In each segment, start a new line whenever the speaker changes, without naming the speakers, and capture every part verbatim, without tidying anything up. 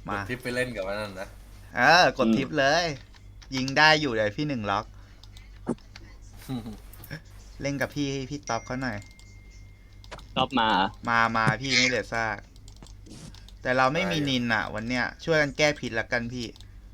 มาก
ดทิปไปเล่นกับมันนั่นนะ
เออกดทิปเลย ยิงได้อยู่เลยพี่หนึ่งล็อก เล่นกับพี่พี่ต๊อบเขาหน่อย
รอบมาเหรอ
มามาพี่ไม่เหลือซาก แต่เราไม่มีนินอ่ะ วันเนี้ยช่วยกันแก้ผิดละกันพี่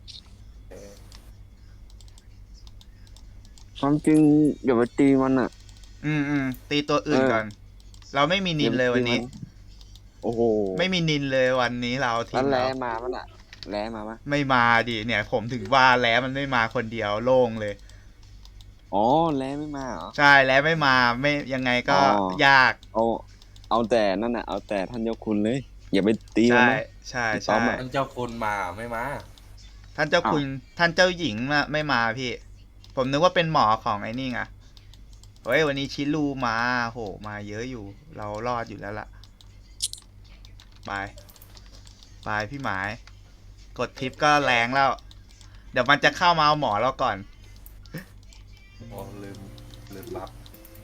ความจริงอย่าไปตีมันอ่ะ
อืมอืมตีตัวอื่น
เออ
ก่อน เราไม่มีนินเลยวันนี้
โอ้โห
ไม่มีนินเลยวันนี้เราที
แล้ว
ม
แล้
เรา
มามันอ่ะ แล้มาปะ
ไม่มาดิเนี่ย ผมถึงว่าแล้วมันไม่มาคนเดียวโล่งเลย
อ๋อแล้ไม่มาเหรอ
ใช่แล้วไม่มาไม่ยังไงก็
อ๋อ
ยาก
เอาเอาแต่นั่นน่ะเอาแต่ท่านเจ้าคุณเลย อย่าไปตีมัน
ใช่
นะ
ใช่
พี่ต๊อ
ใช่
บอะ
มันเจ้าคุณมาไม่มา
ท่านเจ้าคุณท่านเจ้าหญิงมาไม่มาพี่ ผมนึกว่าเป็นหมอของไอ้นี่ไงเฮ้ยวันนี้ชิลูมาโหมาเยอะอยู่ เรารอดอยู่แล้วล่ะไปไปพี่หมาย กดทิปก็แรงแล้ว เดี๋ยวมันจะเข้ามาเอาหมอเราก่อน
โอ้ลืมลืมบัฟ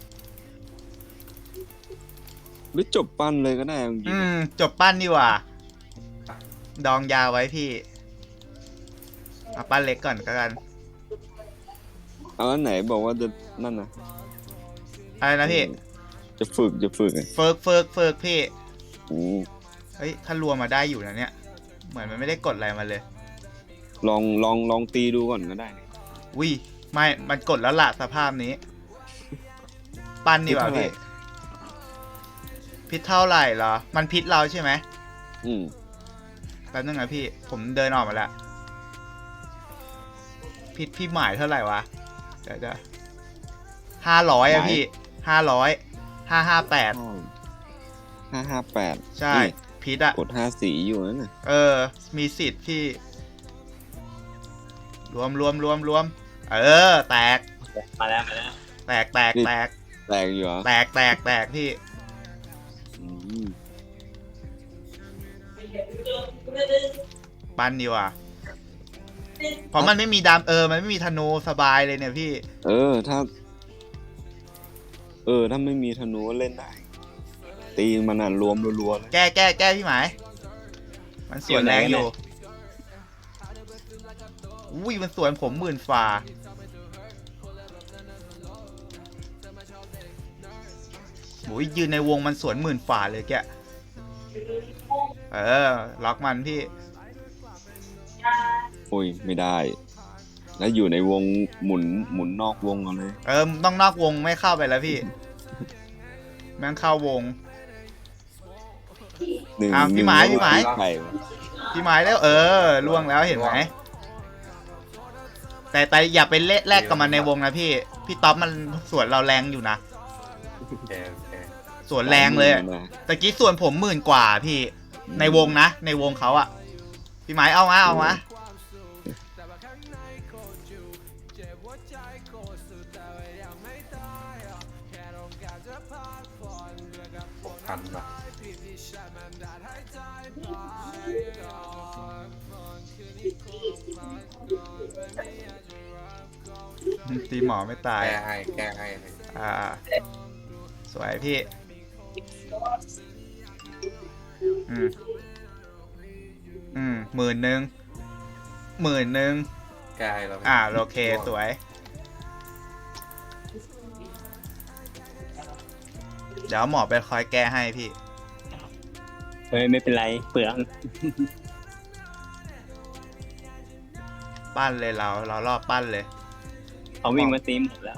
หรือจบปั้นเลยก็ได้จริง
อืม จบปั้นดีกว่า ดองยาไว้พี่เอาปั้นเล็กก่อนก็กัน
ๆเอาอันไหนบอกว่าจะนั่นนะ
อะไรนะพี่
จะฝึกจะฝึกไง
เฟิร์กเฟิร์กเฟิร์กพี่
อืม
เฮ้ยถ้ารวมมาได้อยู่นะเนี่ย เหมือนมันไม่ได้กดอะไรมาเลย
ลองลองลองตีดูก่อนก็ได้นะ
วิไม่ มันกดแล้วละสภาพนี้ ปั้นดีกว่าพี่ พิษเท่าไหร่เหรอ มันพิษเราใช่ไหม
อืม
แป๊บนึงนะพี่ ผมเดินออกมาแล้ว พิษพี่หมายเท่าไหร่วะ เดี๋ยวจะห้าร้อยอะพี่ ห้าร้อย ห้าห้าแปด
ห้าห้าแปด
ใช่ พิษอะ
กดห้าสีอยู่นั่นน่ะ
เออ มีสิทธิ์พี่ รวมรวมรวมรวม เออ แตก
มาแล้วมาแล้ว
แตกแตกแตก
แตกอยู่เหรอ
แตกแตกแตกพี่
อืม
ปั้นดีกว่าเพราะมันไม่มีดามเออ มันไม่มีธนูสบายเลยเนี่ยพี่
เออถ้า เออถ้าไม่มีธนูก็เล่นได้ ตีมันอ่ะรวมรัวๆเลย
แก้แก้แก้พี่หมาย มันสวนแรงอยู่ อุ้ยมันสวนผมหมื่นฝ่าโอ้ยยืนในวงมันสวนหมื่นฝ่าเลยแก เออ ล็อกมันพี่
โอ้ยไม่ได้ แล้วอยู่ในวงหมุนหมุนนอกวงกันเลย
เออ ต้องนอกวงไม่เข้าไปแล้วพี่ แม่งเข้าวง
หนึ่ง
อ้าวพี่หมายพี่หมาย
ไข่วะ
พี่หมายแล้ว เออล่วงแล้วเห็นไหม แต่แต่อย่าไปเละแลกกับมันในวงนะพี่ พี่ต๊อบมันสวนเราแรงอยู่นะ
โอเคโอเค
สวนแรงเลยอะ
นะ
ตะกี้ส่วนผมหมื่นกว่าพี่ ในวงนะ ในวงเขาอะพี่หมายเอามาเอามา
หกพันว่ะ
ตีหมอไม่ตาย
แก้ให้แก้ให้
อ่า สวยพี่ อืม อืมหมื่นหนึ่งหมื่นหนึ่ง
แก้ให้เรา
อ่าโอเคสวย เดี๋ยวหมอไปคอยแก้ให้พี่
เฮ้ยไม่เป็นไรเปลือง
ปั้นเลยเรา เรารอบปั้นเลย
เขาวิ่งมาตีหมดแล้ว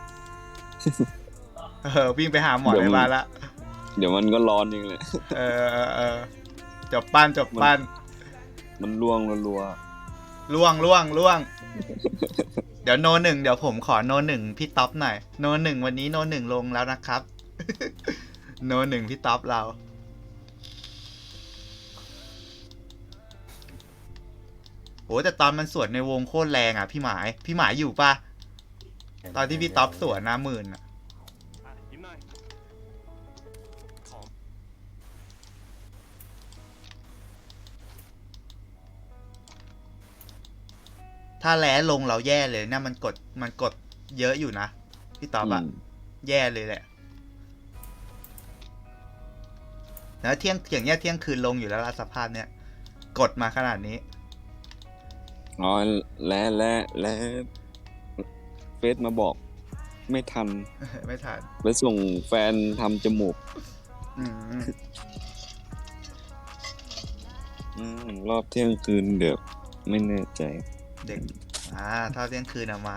เออ วิ่งไปหาหมอในบ้านละ
เดี๋ยวมันก็ร้อนเองแหละ
เออเออเออจบปั้นจบปั้น
มันล่วงรัว
ล่วงล่วงล่วง เดี๋ยวโนหนึ่งเดี๋ยวผมขอโนหนึ่งพี่ท็อปหน่อย โนหนึ่งวันนี้โนหนึ่งลงแล้วนะครับ โนหนึ่งพี่ท็อปเรา โหแต่ตอนมันสวนในวงโคตรแรงอ่ะพี่หมาย พี่หมายอยู่ปะตอนที่พี่ท็อปสวนนะหมื่นอ่ะ ถ้าแล้ลงเราแย่เลยเนี่ยมันกดมันกดเยอะอยู่นะพี่ต๊อบอะ
ม
แย่เลยแหละแล้วเที่ยงอย่างเงี้ยเที่ยงคืนลงอยู่แล้วละสภาพเนี้ยกกดมาขนาดนี้
อ๋อและและและเฟซมาบอก ไม่ทัน
ไม่ทัน
ไปส่งแฟนทำจมูก
อืม
อืมรอบเที่ยงคืนเดี๋ยวไม่แน่ใจ
เด็กอ่าเท่าเที่ยงคืนอะมา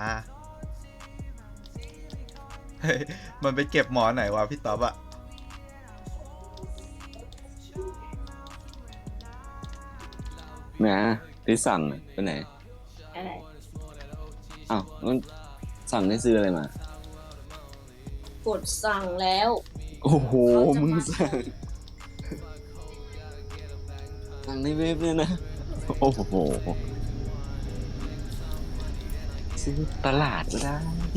เฮ้ยมันไปเก็บหมอนไหนวะพี่ต๊อบอะ
นะที่สั่งอะไปไหน
อะไร
อ้าวมันสั่งให้ซื้ออะไรมา
กดสั่งแล้ว
โอ้โห
เขาจะ
มึง
มา
สั่ง สั่งในเว็บเนี่ยนะ โอ้โห ซื้อตลาดก็ได้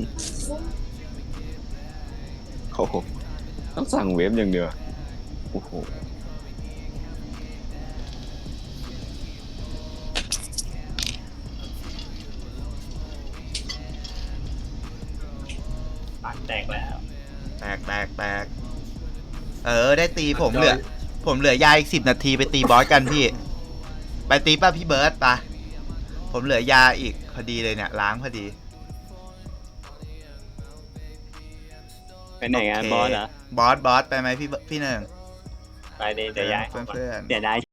โอ้โห ต้องสั่งเว็บอย่างเดียว โอ้โห
ปากแตกแล้ว
แตกแตกแตกเออ ได้ตีผมเหลือ ผมเหลือยาอีกสิบนาทีไปตีบอสกันพี่ ไปตีป่ะพี่เบิร์ตไปะผมเหลือยาอีกพอดีเลยเนี่ย ล้างพอดี
ไปไหนงานบอสเหรอ
บอสบอสไปไหมพี่เบิร์ตพี่หนึ่ง
ไปเลยเดี๋ยวย้าย
เพื่อนเพื่อนๆ
เดี๋ยวได้